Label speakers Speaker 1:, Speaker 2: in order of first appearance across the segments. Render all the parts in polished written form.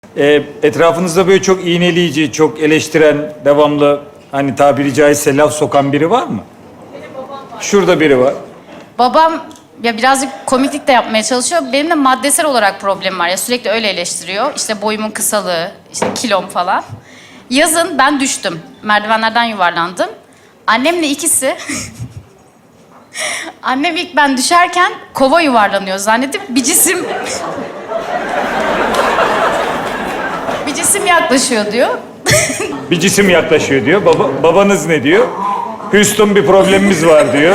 Speaker 1: Etrafınızda böyle çok iğneleyici, çok eleştiren, devamlı hani tabiri caizse laf sokan biri var mı?
Speaker 2: Benim babam var.
Speaker 1: Şurada biri var.
Speaker 2: Babam ya birazcık komiklik de yapmaya çalışıyor. Benim de maddesel olarak problemim var ya, sürekli öyle eleştiriyor. İşte boyumun kısalığı, işte kilom falan. Yazın ben düştüm. Merdivenlerden yuvarlandım. Annemle ikisi... Annem ilk ben düşerken kova yuvarlanıyor zannedip bir cisim... bir cisim yaklaşıyor diyor.
Speaker 1: Bir cisim yaklaşıyor diyor. Babanız ne diyor? Houston bir problemimiz var diyor.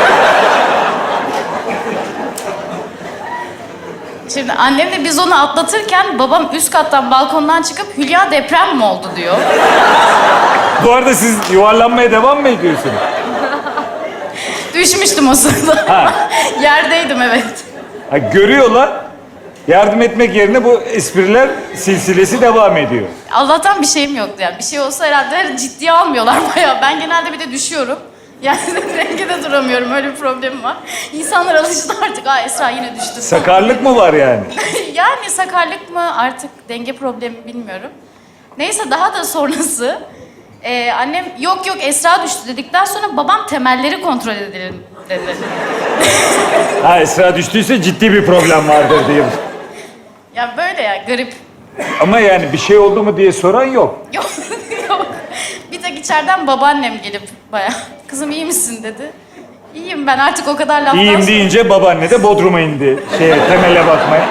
Speaker 2: Şimdi annemle biz onu atlatırken babam üst kattan balkondan çıkıp Hülya deprem mi oldu diyor.
Speaker 1: Bu arada siz yuvarlanmaya devam mı ediyorsunuz?
Speaker 2: Düşmüştüm o sırada.
Speaker 1: Ha.
Speaker 2: Yerdeydim evet.
Speaker 1: Ha, görüyorlar. Yardım etmek yerine bu espriler silsilesi devam ediyor.
Speaker 2: Allah'tan bir şeyim yoktu yani. Bir şey olsa herhalde ciddiye almıyorlar bayağı. Ben genelde bir de düşüyorum. Yani dengede duramıyorum. Öyle bir problemim var. İnsanlar alıştı artık. Aa Esra yine düştü.
Speaker 1: Sakarlık mı var yani?
Speaker 2: Yani sakarlık mı artık denge problemi bilmiyorum. Neyse daha da sonrası annem yok Esra düştü dedikten sonra babam temelleri kontrol edelim dedi.
Speaker 1: Ha, Esra düştüyse ciddi bir problem vardır diye.
Speaker 2: Ya böyle ya garip.
Speaker 1: Ama yani bir şey oldu mu diye soran yok.
Speaker 2: Yok yok. Bir tek içeriden babaannem gelip bayağı kızım iyi misin dedi. İyiyim ben artık o kadar laftan
Speaker 1: İyiyim
Speaker 2: sonra...
Speaker 1: deyince babaanne de Bodrum'a indi. Temele bakmaya.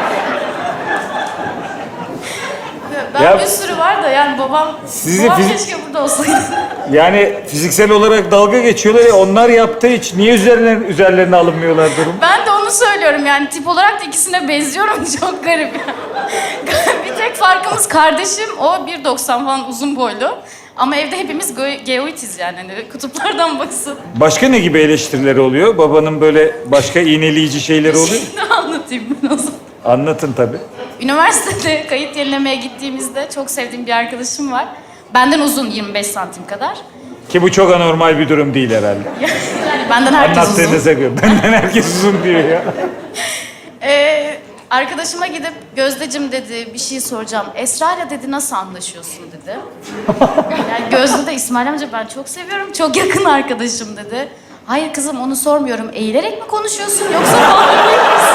Speaker 2: Ben
Speaker 1: Ya-
Speaker 2: bir sürü var da yani babam
Speaker 1: Sizi
Speaker 2: keşke burada olsaydı.
Speaker 1: Yani fiziksel olarak dalga geçiyorlar ya, onlar yaptığı hiç niye üzerlerine alınmıyorlar durum?
Speaker 2: Ben de onu söylüyorum yani tip olarak da ikisine benziyorum çok garip ya. Bir tek farkımız kardeşim o 1.90 falan uzun boylu. Ama evde hepimiz geoitiz yani hani kutuplardan baksın.
Speaker 1: Başka ne gibi eleştirileri oluyor? Babanın böyle başka iğneleyici şeyleri oluyor?
Speaker 2: Şimdi anlatayım ben o zaman.
Speaker 1: Anlatın tabii.
Speaker 2: Üniversitede kayıt yenilemeye gittiğimizde çok sevdiğim bir arkadaşım var. Benden uzun 25 santim kadar.
Speaker 1: Ki bu çok anormal bir durum değil herhalde.
Speaker 2: Yani benden herkes uzun.
Speaker 1: Anlattığınıza göre. Benden herkes uzun diyor ya.
Speaker 2: Arkadaşıma gidip Gözdeciğim dedi bir şey soracağım. Esra'yla dedi nasıl anlaşıyorsun dedi. Yani Gözde de İsmail amca ben çok seviyorum. Çok yakın arkadaşım dedi. Hayır kızım onu sormuyorum. Eğilerek mi konuşuyorsun yoksa bağırıyor musun?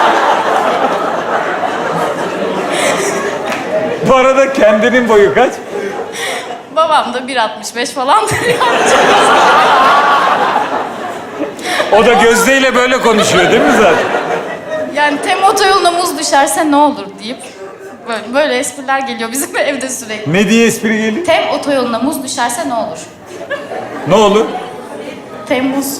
Speaker 1: Bu arada kendinin boyu kaç?
Speaker 2: Babam da 1.65 falandır yani.
Speaker 1: O da Gözde'yle böyle konuşuyor değil mi zaten?
Speaker 2: Yani tem otoyoluna muz düşerse ne olur deyip böyle espriler geliyor bizim evde sürekli.
Speaker 1: Ne diye espri geliyor?
Speaker 2: Tem otoyoluna muz düşerse ne olur?
Speaker 1: Ne olur?
Speaker 2: Temmuz.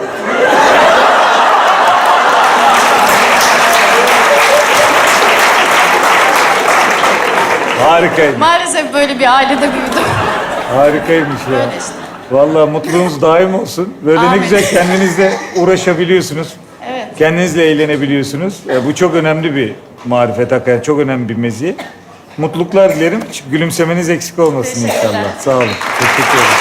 Speaker 1: Harikaymış.
Speaker 2: Maalesef böyle bir ailede büyüdüm.
Speaker 1: Harikaymış ya.
Speaker 2: Böyle işte.
Speaker 1: Vallahi mutluluğunuz daim olsun. Böyle ne
Speaker 2: Amin.
Speaker 1: güzel kendinizle uğraşabiliyorsunuz.
Speaker 2: Evet.
Speaker 1: Kendinizle eğlenebiliyorsunuz. Bu çok önemli bir marifet hakikaten. Çok önemli bir meziyet. Mutluluklar dilerim. Gülümsemeniz eksik olmasın
Speaker 2: Teşekkürler.
Speaker 1: inşallah. Sağ olun. Teşekkür ederim.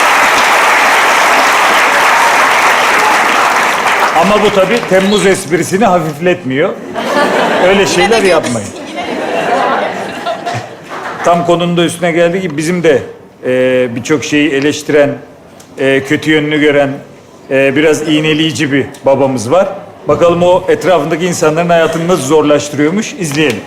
Speaker 1: Ama bu tabii Temmuz esprisini hafifletmiyor. Öyle şeyler yapmayın. Tam konunun da üstüne geldi ki bizim de birçok şeyi eleştiren, kötü yönünü gören, biraz iğneleyici bir babamız var. Bakalım o etrafındaki insanların hayatını nasıl zorlaştırıyormuş, izleyelim.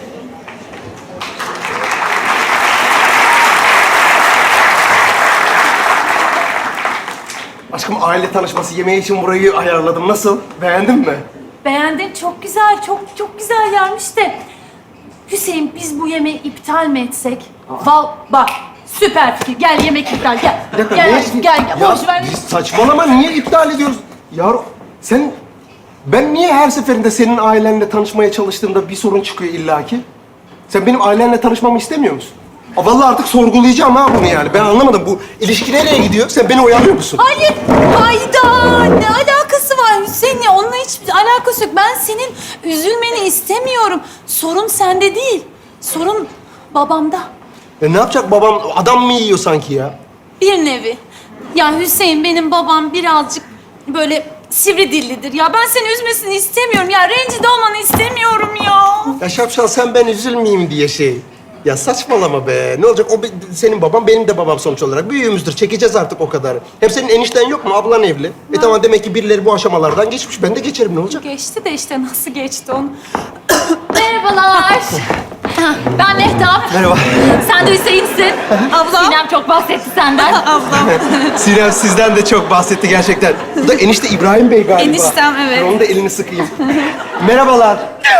Speaker 3: Aşkım aile tanışması yemeği için burayı ayarladım. Nasıl? Beğendin mi?
Speaker 4: Beğendim. Çok güzel, çok güzel yermiş de. Hüseyin biz bu yemeği iptal mi etsek? Bak süper fikir. Gel yemek iptal gel.
Speaker 3: Bir dakika,
Speaker 4: Gel
Speaker 3: ne-
Speaker 4: aşkım gel.
Speaker 3: Ya
Speaker 4: Boş ver.
Speaker 3: biz saçmalama, niye iptal ediyoruz? Yavrum sen... Ben niye her seferinde senin ailenle tanışmaya çalıştığımda bir sorun çıkıyor illaki? Sen benim ailenle tanışmamı istemiyor musun? Vallahi artık sorgulayacağım ha bunu yani. Ben anlamadım. Bu ilişki nereye gidiyor? Sen beni oyalıyor musun?
Speaker 4: Hayır. Hayda. Ne alakası var Hüseyin'le? Onunla hiçbir alakası yok. Ben senin üzülmeni istemiyorum. Sorun sende değil. Sorun babamda.
Speaker 3: Ne yapacak babam? Adam mı yiyor sanki ya?
Speaker 4: Bir nevi. Ya Hüseyin benim babam birazcık böyle sivri dillidir ya. Ben seni üzmesini istemiyorum ya. Rencide olmanı istemiyorum ya.
Speaker 3: Ya şapşal sen ben üzülmeyeyim diye şey. Ya saçmalama be. Ne olacak? Senin babam, benim de babam sonuç olarak. Büyüğümüzdür. Çekeceğiz artık o kadar. Hem senin enişten yok mu? Ablan evli. Tamam, demek ki birileri bu aşamalardan geçmiş. Ben de geçerim. Ne olacak?
Speaker 4: Geçti de işte nasıl geçti onu.
Speaker 5: Merhabalar. Ben Mehtap.
Speaker 3: Merhaba.
Speaker 5: Sen de Hüseyin'sin.
Speaker 4: Ablam.
Speaker 5: Sinem çok bahsetti senden.
Speaker 4: Ablam.
Speaker 3: Sinem sizden de çok bahsetti gerçekten. Bu da enişte İbrahim Bey galiba.
Speaker 4: Eniştem, evet.
Speaker 3: Dur, onun da elini sıkayım. Merhabalar.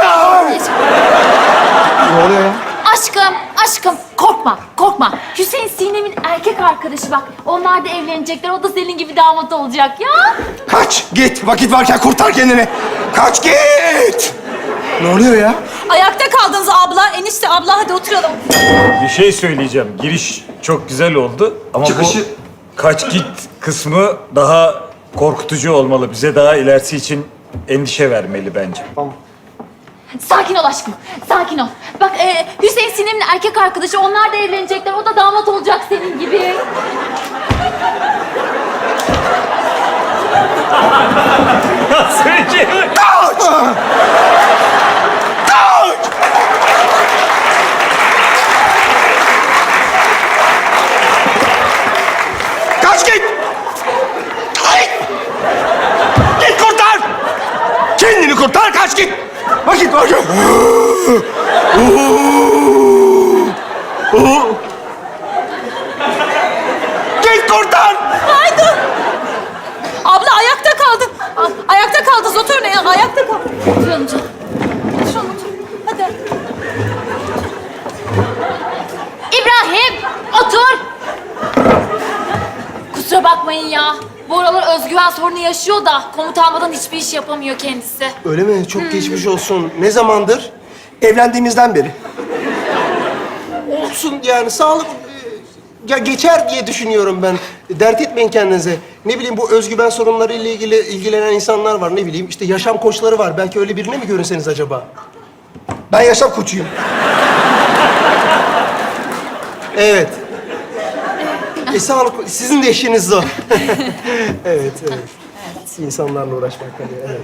Speaker 3: Ne oluyor ya?
Speaker 5: Aşkım korkma. Hüseyin Sinem'in erkek arkadaşı bak. Onlar da evlenecekler. O da senin gibi damat olacak ya.
Speaker 3: Kaç, git. Vakit varken kurtar kendini. Kaç, git. Ne oluyor ya?
Speaker 4: Ayakta kaldınız abla. Enişte abla hadi oturalım.
Speaker 1: Bir şey söyleyeceğim. Giriş çok güzel oldu ama
Speaker 3: Çıkışı-
Speaker 1: bu kaç git kısmı daha korkutucu olmalı. Bize daha ilerisi için endişe vermeli bence.
Speaker 5: Sakin ol aşkım. Sakin ol. Bak Hüseyin Sinem'in erkek arkadaşı. Onlar da evlenecekler. O da damat olacak senin gibi.
Speaker 3: Kaç, git. Git. Git, kurtar. Kendini kurtar, kaç, git. Vakit var. Git, kurtar.
Speaker 4: Haydi. Abla ayakta kaldın. Ayakta kaldınız. Oturun ya. Ayakta kal.
Speaker 5: Oturalım canım.
Speaker 4: Oturun otur. Hadi.
Speaker 5: İbrahim otur. Kusura bakmayın ya. Bu aralar özgüven sorunu yaşıyor da komut almadan hiçbir iş yapamıyor kendisi.
Speaker 3: Öyle mi? Çok geçmiş olsun. Ne zamandır?
Speaker 6: Evlendiğimizden beri.
Speaker 3: Olsun yani, sağlık ya geçer diye düşünüyorum ben. Dert etmeyin kendinize. Ne bileyim, bu özgüven sorunları ile ilgili ilgilenen insanlar var, ne bileyim. İşte yaşam koçları var. Belki öyle birine mi görünseniz acaba?
Speaker 6: Ben yaşam koçuyum.
Speaker 3: Evet. Sağlık, sizin de işiniz o. Evet. İnsanlarla uğraşmak tabii, evet.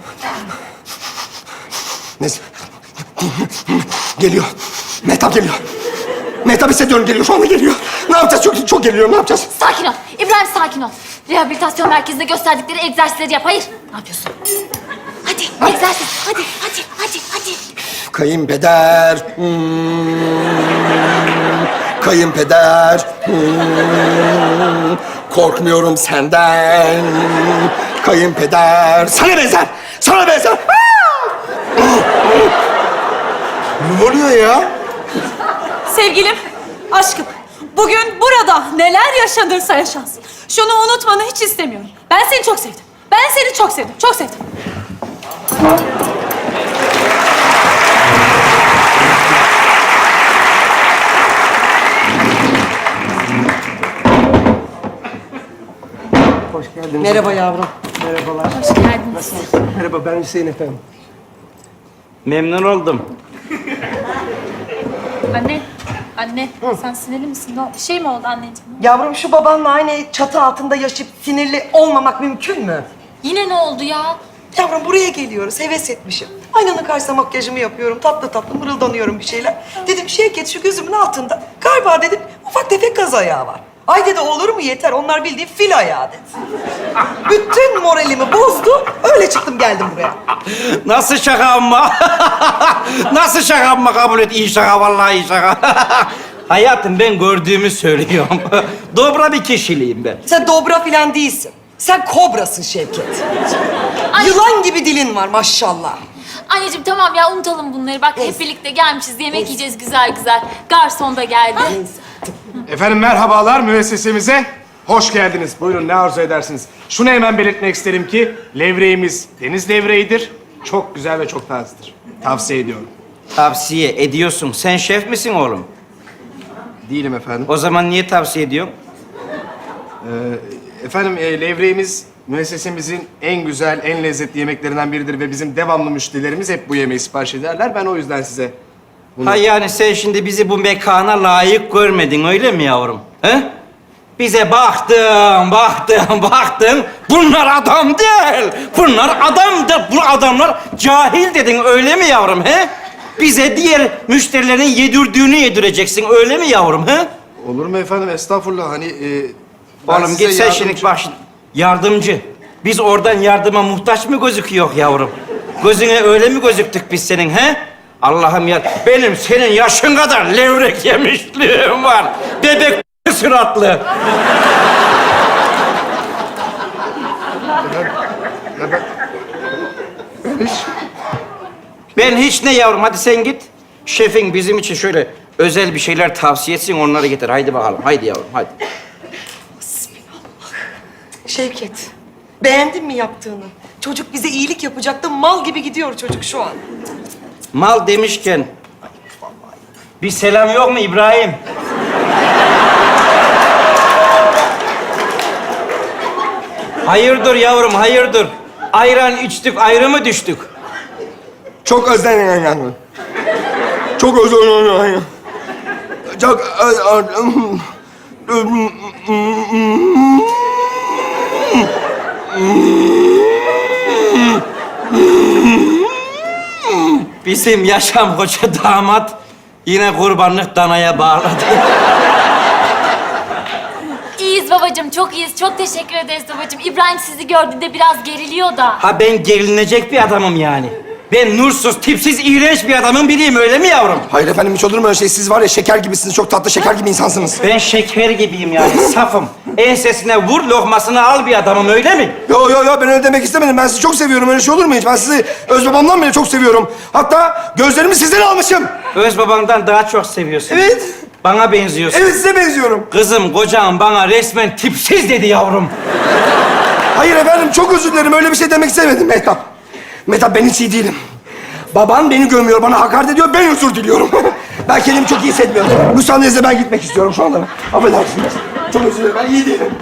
Speaker 6: Neyse. Geliyor. Mehtap geliyor. Mehtap hissediyorum, geliyor. Şu anda geliyor. Ne yapacağız? Çok geliyor. Ne yapacağız?
Speaker 5: Sakin ol. İbrahim sakin ol. Rehabilitasyon merkezinde gösterdikleri egzersizleri yap. Hayır. Ne yapıyorsun? Hadi egzersiz. Hadi.
Speaker 6: Kayınpeder. Kayınpeder. Korkmuyorum senden. Kayınpeder. Sana benzer. Sana benzer.
Speaker 3: Ne oluyor ya?
Speaker 4: Sevgilim, aşkım. Bugün burada neler yaşanırsa yaşansın. Şunu unutmanı hiç istemiyorum. Ben seni çok sevdim. Ben seni çok sevdim. Çok sevdim.
Speaker 3: Hoş geldiniz.
Speaker 7: Merhaba yavrum.
Speaker 3: Merhabalar.
Speaker 5: Hoş geldiniz.
Speaker 3: Merhaba, ben Hüseyin efendim.
Speaker 8: Memnun oldum.
Speaker 4: Anne, sen sinirli misin? Bir şey mi oldu anneciğim?
Speaker 7: Yavrum şu babanla aynı çatı altında yaşayıp sinirli olmamak mümkün mü?
Speaker 5: Yine ne oldu ya?
Speaker 7: Yavrum buraya geliyoruz, heves etmişim. Aynanın karşısına makyajımı yapıyorum, tatlı tatlı mırıldanıyorum bir şeyler. Dedim Şevket şu gözümün altında galiba dedim ufak tefek kaz ayağı var. Ay dedi olur mu yeter, onlar bildiğin fil ayağı dedi. Bütün moralimi bozdu, öyle çıktım geldim buraya.
Speaker 8: Nasıl şaka ama? Nasıl şaka ama kabul et? İyi şaka, vallahi iyi şaka. Hayatım ben gördüğümü söylüyorum. Dobra bir kişiliğim ben.
Speaker 7: Sen dobra filan değilsin. Sen kobrasın Şevket.
Speaker 5: Ay.
Speaker 7: Yılan gibi dilin var maşallah.
Speaker 5: Anneciğim tamam ya unutalım bunları. Bak hep birlikte gelmişiz. Yemek yiyeceğiz güzel. Garson da geldi.
Speaker 9: Efendim merhabalar, müessesemize hoş geldiniz. Buyurun, ne arzu edersiniz? Şunu hemen belirtmek isterim ki levreğimiz deniz levreğidir. Çok güzel ve çok tazedir. Tavsiye ediyorum.
Speaker 8: Tavsiye ediyorsun. Sen şef misin oğlum?
Speaker 9: Değilim efendim.
Speaker 8: O zaman niye tavsiye ediyorsun?
Speaker 9: Efendim levreğimiz müessesemizin en güzel, en lezzetli yemeklerinden biridir ve bizim devamlı müşterilerimiz hep bu yemeği sipariş ederler. Ben o yüzden size bunu...
Speaker 8: Ha yani sen şimdi bizi bu mekana layık görmedin öyle mi yavrum? He? Bize baktın. Bunlar adam değil. Bunlar adamdır. Bu adamlar cahil dedin öyle mi yavrum he? Bize diğer müşterilerin yedirdiğini yedireceksin, öyle mi yavrum, he?
Speaker 3: Olur mu efendim? Estağfurullah. Hani ben
Speaker 8: Oğlum
Speaker 3: size
Speaker 8: git sen
Speaker 3: yardımcı-
Speaker 8: şimdi bak şimdi. Yardımcı. Biz oradan yardıma muhtaç mı gözüküyor yavrum? Gözüne öyle mi gözüktük biz senin, he? Allah'ım ya, benim senin yaşın kadar levrek yemişliğim var. Bebek suratlı. Ben hiç ne yavrum, hadi sen git. Şefin bizim için şöyle özel bir şeyler tavsiye etsin, onları getir. Haydi bakalım, haydi yavrum, haydi.
Speaker 7: Şevket, beğendin mi yaptığını? Çocuk bize iyilik yapacaktı, mal gibi gidiyor çocuk şu an.
Speaker 8: Mal demişken, bir selam yok mu İbrahim? Hayırdır yavrum, hayırdır? Ayran içtik, ayrı mı düştük?
Speaker 6: Çok özledim. Çok özledim. Çok özledim.
Speaker 8: Bizim Yaşam Hoca damat yine kurbanlık danaya bağladı.
Speaker 5: İyiyiz babacığım, çok iyiyiz. Çok teşekkür ederiz babacığım. İbrahim sizi gördüğünde biraz geriliyor da.
Speaker 8: Ha ben gerilinecek bir adamım yani. Ben nursuz, tipsiz, iğrenç bir adamın biriyim, öyle mi yavrum?
Speaker 6: Hayır efendim, hiç olur mu öyle şey? Siz var ya şeker gibisiniz. Çok tatlı şeker gibi insansınız.
Speaker 8: Ben şeker gibiyim yani, safım. Ensesine vur, lokmasını al bir adamım, öyle mi?
Speaker 6: Yo, ben öyle demek istemedim. Ben sizi çok seviyorum. Öyle şey olur mu hiç? Ben sizi öz babamdan bile çok seviyorum. Hatta gözlerimi sizden almışım.
Speaker 8: Öz babandan daha çok seviyorsun.
Speaker 6: Evet.
Speaker 8: Bana benziyorsun.
Speaker 6: Evet, size benziyorum.
Speaker 8: Kızım, kocam bana resmen tipsiz dedi yavrum.
Speaker 6: Hayır efendim, çok özür dilerim. Öyle bir şey demek istemedim Mehtap. Mehtap, ben hiç iyi değilim. Baban beni gömüyor, bana hakaret ediyor. Ben özür diliyorum. Ben kendimi çok iyi hissetmiyorum. Müsaadenizle ben gitmek istiyorum şu anda. Affedersiniz. Çok özür dilerim. Ben iyi değilim.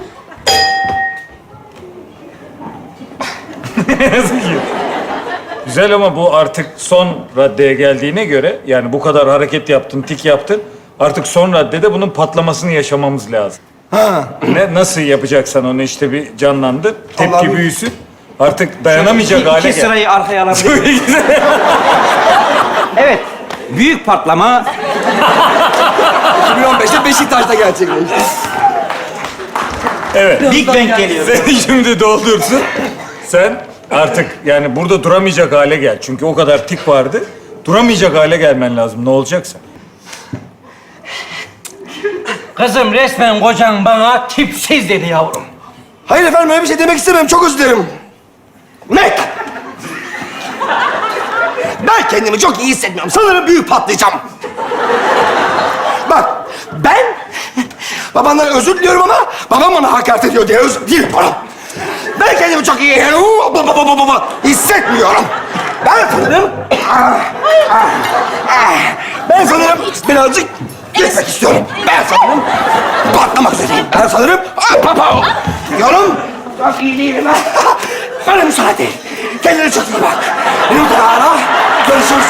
Speaker 1: Güzel ama bu artık son raddeye geldiğine göre, yani bu kadar hareket yaptın, tik yaptın. Artık son raddede bunun patlamasını yaşamamız lazım. Nasıl yapacaksan onu işte bir canlandır, tepki
Speaker 6: Allah'ım.
Speaker 1: büyüsün. Artık dayanamayacak hale
Speaker 8: İki
Speaker 1: gel.
Speaker 8: sırayı arkaya alabilir miyim? Evet, büyük patlama.
Speaker 6: 2015'te Beşiktaş'ta gerçekleşti.
Speaker 1: Evet.
Speaker 8: Big Bang geliyor.
Speaker 1: Seni şimdi doldursun. Sen artık yani burada duramayacak hale gel. Çünkü o kadar tik vardı. Duramayacak hale gelmen lazım. Ne olacaksa.
Speaker 8: Kızım, resmen kocan bana tipsiz dedi yavrum.
Speaker 6: Hayır efendim, öyle bir şey demek istemem. Çok özür dilerim. Mehtap! Ben kendimi çok iyi hissetmiyorum. Sanırım büyük patlayacağım. Bak, ben babandan özür diliyorum ama babam bana hakaret ediyor diye özür diliyorum. Ben kendimi çok iyi hissetmiyorum. Ben sanırım birazcık gitmek istiyorum. Ben sanırım patlamak üzereyim. Ben sanırım diyorum. Çok iyi değilim ha. Bana müsaade. Kendine çok iyi bak. Yurtlara görüşürüz.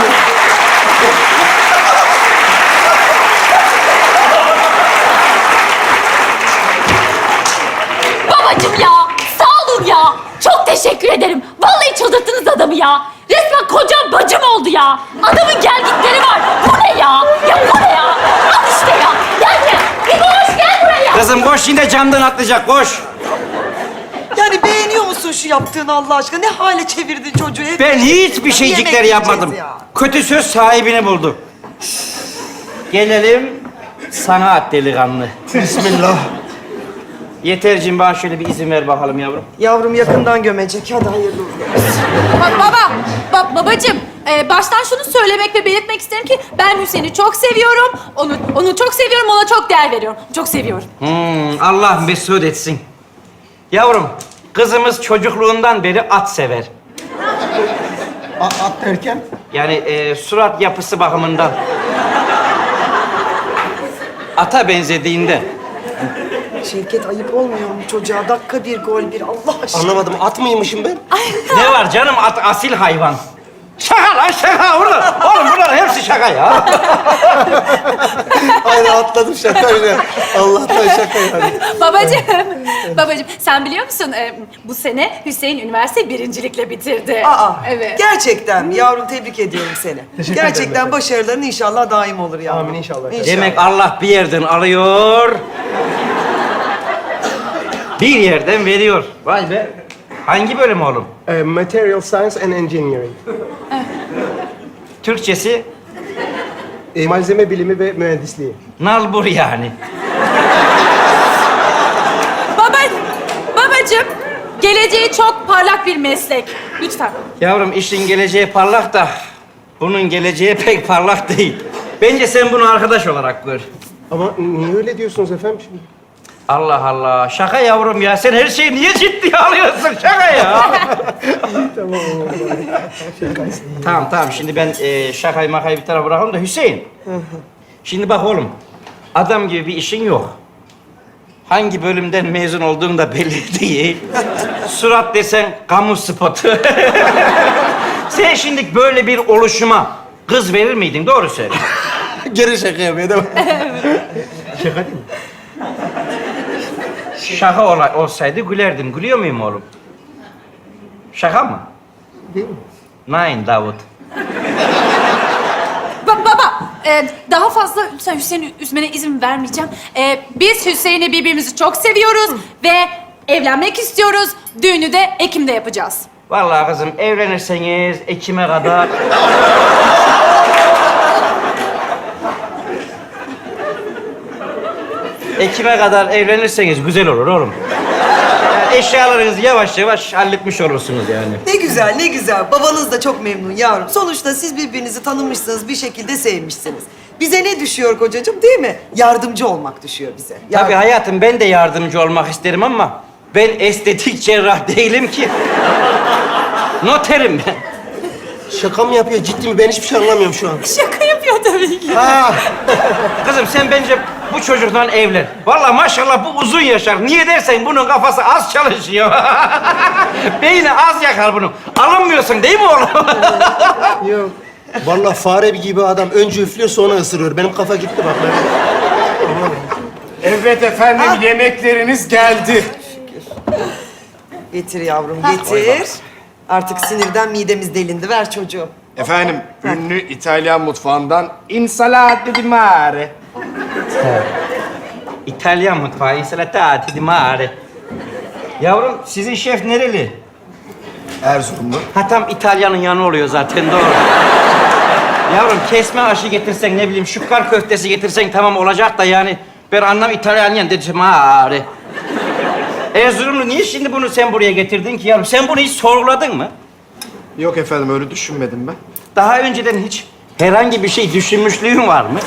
Speaker 5: Babacığım ya, sağ olun ya. Çok teşekkür ederim. Vallahi çıldırttınız adamı ya. Resmen kocam bacım oldu ya. Adamın gelgitleri var. Bu ne ya? Ya bu ne ya? Al işte ya. Gel gel. Bir koş gel buraya.
Speaker 8: Kızım koş, yine camdan atlayacak, koş.
Speaker 7: Yani beğeniyor musun şu yaptığını Allah aşkına? Ne hale çevirdin çocuğu? Hep
Speaker 8: Ben hiçbir
Speaker 7: yemek
Speaker 8: şeycikler
Speaker 7: yiyeceğiz
Speaker 8: yapmadım.
Speaker 7: ya.
Speaker 8: Kötü söz sahibini buldu. Gelelim sanat delikanlı.
Speaker 6: Bismillah.
Speaker 8: Yeterciğim, bana şöyle bir izin ver bakalım yavrum.
Speaker 7: Yavrum yakından gömecek. Hadi hayırlı olsun.
Speaker 4: Babacığım, baştan şunu söylemek ve belirtmek isterim ki ben Hüseyin'i çok seviyorum. Onu çok seviyorum, ona çok değer veriyorum. Çok seviyorum.
Speaker 8: Allah mesut etsin. Yavrum, kızımız çocukluğundan beri at sever.
Speaker 6: At derken?
Speaker 8: Yani surat yapısı bakımından. Ata benzediğinde.
Speaker 7: Şevket ayıp olmuyor mu çocuğa? Dakika bir gol bir Allah aşkına.
Speaker 6: Anlamadım. At mıymışım ben?
Speaker 8: Ne var canım, at asil hayvan. Şaka lan şaka. Oğlum bunlar hepsi şaka ya.
Speaker 6: Aynı at
Speaker 3: rahatladım şakayla. Allah'tan şaka yani.
Speaker 4: Babacığım sen biliyor musun bu sene Hüseyin üniversite birincilikle bitirdi.
Speaker 7: Aa,
Speaker 4: Evet.
Speaker 7: gerçekten mi? Yavrum tebrik ediyorum seni.
Speaker 3: Teşekkür ederim
Speaker 7: Gerçekten
Speaker 3: efendim.
Speaker 7: başarıların inşallah daim olur yavrum.
Speaker 3: Amin inşallah.
Speaker 8: Demek Allah bir yerden alıyor. Bir yerden veriyor. Vay be. Hangi bölüm oğlum?
Speaker 3: Material Science and Engineering.
Speaker 8: Türkçesi
Speaker 3: Malzeme bilimi ve mühendisliği.
Speaker 8: nalbur yani.
Speaker 4: Babacığım geleceği çok parlak bir meslek. Lütfen.
Speaker 8: Yavrum işin geleceği parlak da bunun geleceği pek parlak değil. Bence sen bunu arkadaş olarak gör.
Speaker 3: Ama niye öyle diyorsunuz efendim şimdi?
Speaker 8: Allah Allah. Şaka yavrum ya. Sen her şeyi niye ciddiye alıyorsun? Şaka ya. Tamam. Şimdi ben şakayı makayı bir tarafa bırakalım da Hüseyin. Şimdi bak oğlum. Adam gibi bir işin yok. Hangi bölümden mezun olduğun da belli değil. Surat desen kamu spotu. Sen şimdi böyle bir oluşuma kız verir miydin? Doğru söyle.
Speaker 3: Geri şaka yapıyor değil mi?
Speaker 8: Şaka değil mi? Şaka olsaydı gülerdim. Gülüyor muyum oğlum? Şaka mı?
Speaker 3: Değil mi?
Speaker 8: Nein Davut.
Speaker 4: Baba, daha fazla lütfen Hüseyin'i üzmene izin vermeyeceğim. Biz Hüseyin'i birbirimizi çok seviyoruz ve evlenmek istiyoruz. Düğünü de Ekim'de yapacağız.
Speaker 8: Vallahi kızım evlenirseniz Ekim'e kadar... Ekim'e kadar evlenirseniz güzel olur oğlum. Yani eşyalarınızı yavaş yavaş halletmiş olursunuz yani.
Speaker 7: Ne güzel, ne güzel. Babanız da çok memnun yavrum. Sonuçta siz birbirinizi tanımışsınız, bir şekilde sevmişsiniz. Bize ne düşüyor kocacığım değil mi? Yardımcı olmak düşüyor bize.
Speaker 8: Tabii hayatım ben de yardımcı olmak isterim ama ben estetik cerrah değilim ki. Noterim ben.
Speaker 3: Şaka mı yapıyor, ciddi mi? Ben hiçbir şey anlamıyorum şu an.
Speaker 4: Şaka yapıyor tabii ki.
Speaker 3: Ha.
Speaker 8: Kızım sen bence bu çocukla evlen. Vallahi maşallah bu uzun yaşar. Niye dersen bunun kafası az çalışıyor. Beyni az yakar bunun. Alınmıyorsun değil mi oğlum?
Speaker 3: Yok. Vallahi fare gibi adam. Önce üflüyor sonra ısırıyor. Benim kafa gitti bak.
Speaker 9: Evet efendim, yemekleriniz geldi.
Speaker 7: Getir yavrum, getir. Artık sinirden midemiz delindi. Ver çocuğu.
Speaker 9: Efendim, ünlü İtalyan mutfağından insalata di mare.
Speaker 8: İtalyan mutfağı, insalata di mare. Yavrum sizin şef nereli?
Speaker 3: Erzurumlu.
Speaker 8: Ha tam İtalya'nın yanı oluyor zaten doğru. Yavrum kesme aşı getirsen ne bileyim şukkar köftesi getirsen tamam olacak da yani ben anlam İtalyan dedim mare. Erzurumlu niye şimdi bunu sen buraya getirdin ki yavrum? Sen bunu hiç sorguladın mı?
Speaker 9: Yok efendim, öyle düşünmedim ben.
Speaker 8: Daha önceden hiç herhangi bir şey düşünmüşlüğün var mı?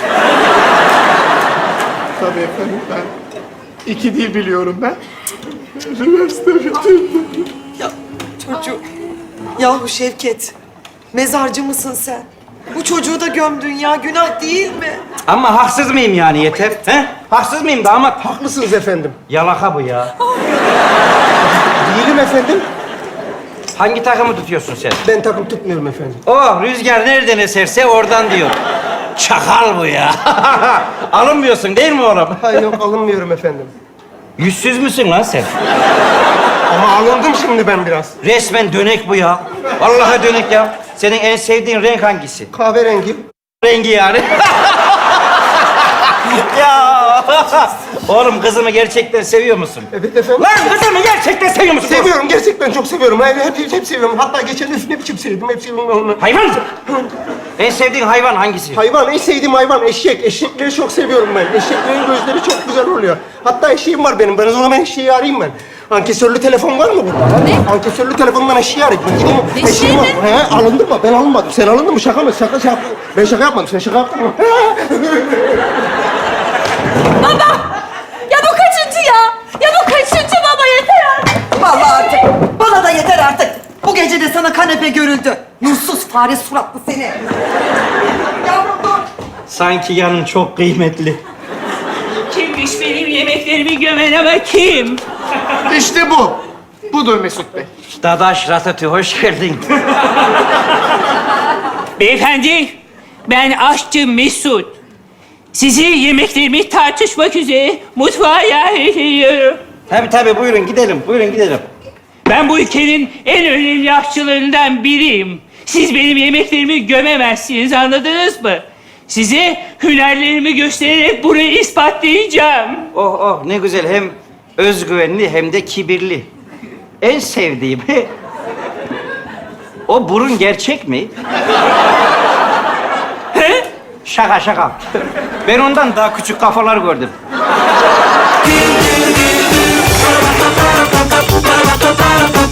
Speaker 9: Tabii efendim, ben 2 dil biliyorum ben. Üniversite bitirdim.
Speaker 7: Ya çocuğu. Yahu Şevket, mezarcı mısın sen? Bu çocuğu da gömdün ya, günah değil mi?
Speaker 8: Ama haksız mıyım yani yeter? He? Haksız mıyım damat?
Speaker 3: Haklısınız efendim.
Speaker 8: Yalaka bu ya.
Speaker 3: Değilim efendim.
Speaker 8: Hangi takımı tutuyorsun sen?
Speaker 3: Ben takım tutmuyorum efendim.
Speaker 8: Oh, rüzgar nereden eserse oradan diyor. Çakal bu ya. Alınmıyorsun değil mi oğlum?
Speaker 3: Hayır yok, alınmıyorum efendim.
Speaker 8: Yüzsüz müsün lan sen?
Speaker 3: Ama alındım şimdi ben biraz.
Speaker 8: Resmen dönek bu ya. Vallahi dönek ya. Senin en sevdiğin renk hangisi?
Speaker 3: Kahverengi.
Speaker 8: Rengi yani. Ya. Oğlum kızımı gerçekten seviyor musun?
Speaker 3: Evet efendim.
Speaker 8: Lan kızımı gerçekten seviyor musun?
Speaker 3: Seviyorum, gerçekten çok seviyorum. Hep seviyorum. Hatta geçen üf ne biçim sevdim, hep seviyorum onu.
Speaker 8: Hayvan! En sevdiğin hayvan hangisi?
Speaker 3: Hayvan, en sevdiğim hayvan eşek. Eşekleri çok seviyorum ben. Eşeklerin gözleri çok güzel oluyor. Hatta eşeğim var benim. Ben o zaman eşeği arayayım ben. Ankesörlü telefon var mı burada?
Speaker 4: Ne?
Speaker 3: Ankesörlü telefondan eşeği arayayım. Ben gideyim.
Speaker 4: Eşeği
Speaker 3: Eşeğim var.
Speaker 4: mi?
Speaker 3: He, alındın mı? Ben alınmadım. Sen alındın mı? Şaka mı? Şaka. Ben şaka yapmadım. Sen şaka yaptın mı?
Speaker 4: Ya bu kaçıncı ya? Ya bu kaçıncı baba yeter artık.
Speaker 7: Vallahi artık, bana da yeter artık. Bu gece de sana kanepe görüldü. Nursuz fare suratlı seni. Yavrum dur.
Speaker 8: Sanki yanın çok kıymetli.
Speaker 10: Kimmiş benim yemeklerimi gömen ama kim?
Speaker 9: İşte bu. Budur Mesut Bey.
Speaker 8: Dadaş Ratatü, hoş geldin.
Speaker 10: Beyefendi, ben aşçı Mesut. Sizi yemeklerimi tartışmak üzere mutfağa yerleştiriyorum.
Speaker 8: Tabii buyurun gidelim, buyurun gidelim.
Speaker 10: Ben bu ülkenin en önemli aşçılarından biriyim. Siz benim yemeklerimi gömemezsiniz, anladınız mı? Size hünerlerimi göstererek bunu ispatlayacağım.
Speaker 8: Oh ne güzel, hem özgüvenli hem de kibirli. En sevdiğim. O burun gerçek mi?
Speaker 10: He?
Speaker 8: Şaka. Ben ondan daha küçük kafalar gördüm.